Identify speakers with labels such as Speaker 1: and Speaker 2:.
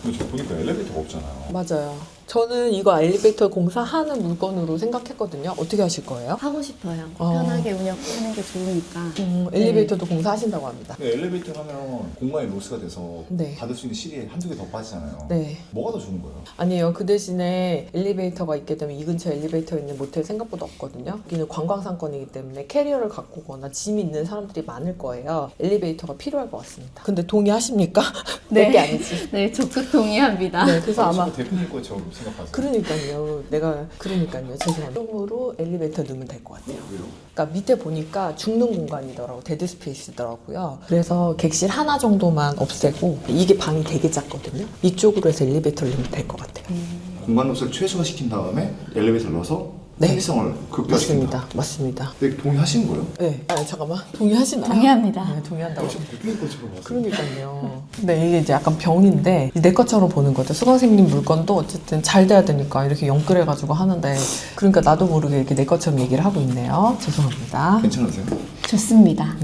Speaker 1: 근데 저 보니까 엘리베이터가 없잖아요.
Speaker 2: 맞아요. 저는 이거 엘리베이터 공사하는 물건으로 생각했거든요. 어떻게 하실 거예요?
Speaker 3: 하고 싶어요.
Speaker 2: 어.
Speaker 3: 편하게 운영하는 게 좋으니까.
Speaker 2: 엘리베이터도 공사하신다고 합니다.
Speaker 1: 근데 엘리베이터 하면 공간이 로스가 돼서
Speaker 2: 네.
Speaker 1: 받을 수 있는 실이 한두 개 더 빠지잖아요.
Speaker 2: 네.
Speaker 1: 뭐가 더 좋은 거예요?
Speaker 2: 아니에요. 그 대신에 엘리베이터가 있게 되면 이 근처에 엘리베이터 있는 모텔 생각보다 없거든요. 여기는 관광상권이기 때문에 캐리어를 갖고 오거나 짐이 있는 사람들이 많을 거예요. 엘리베이터가 필요할 것 같습니다. 근데 동의하십니까?
Speaker 3: 네.
Speaker 2: 내게 아니지.
Speaker 3: 네, 적극 동의합니다.
Speaker 2: 네, 그래서 아마
Speaker 1: 대표님 거처럼 생각하세요.
Speaker 2: 그러니까요. 그러니까요. 죄송합니다. 쪽으로 엘리베이터 넣으면 될 것 같아요.
Speaker 1: 왜요?
Speaker 2: 그러니까 밑에 보니까 죽는 공간이더라고. 데드 스페이스더라고요. 그래서 객실 하나 정도만 없애고 이게 방이 되게 작거든요. 이쪽으로 해서 엘리베이터를 넣으면 될 것 같아요.
Speaker 1: 공간 로스를 최소화시킨 다음에 엘리베이터를 넣어서
Speaker 2: 네.
Speaker 1: 편의성을 극대화시킨다.
Speaker 2: 맞습니다.
Speaker 1: 근데 동의하시는 거예요?
Speaker 2: 네. 아 잠깐만. 동의하시나요?
Speaker 3: 동의합니다.
Speaker 2: 네, 동의한다고.
Speaker 1: 저 대표님 거처럼 봤어요.
Speaker 2: 그러니까요. 근데 이게 이제 약간 병인데 내 것처럼 보는 거죠. 수강생님 물건도 어쨌든 잘 돼야 되니까 이렇게 영끌해가지고 하는데 그러니까 나도 모르게 이렇게 내 것처럼 얘기를 하고 있네요. 죄송합니다.
Speaker 1: 괜찮으세요?
Speaker 3: 좋습니다.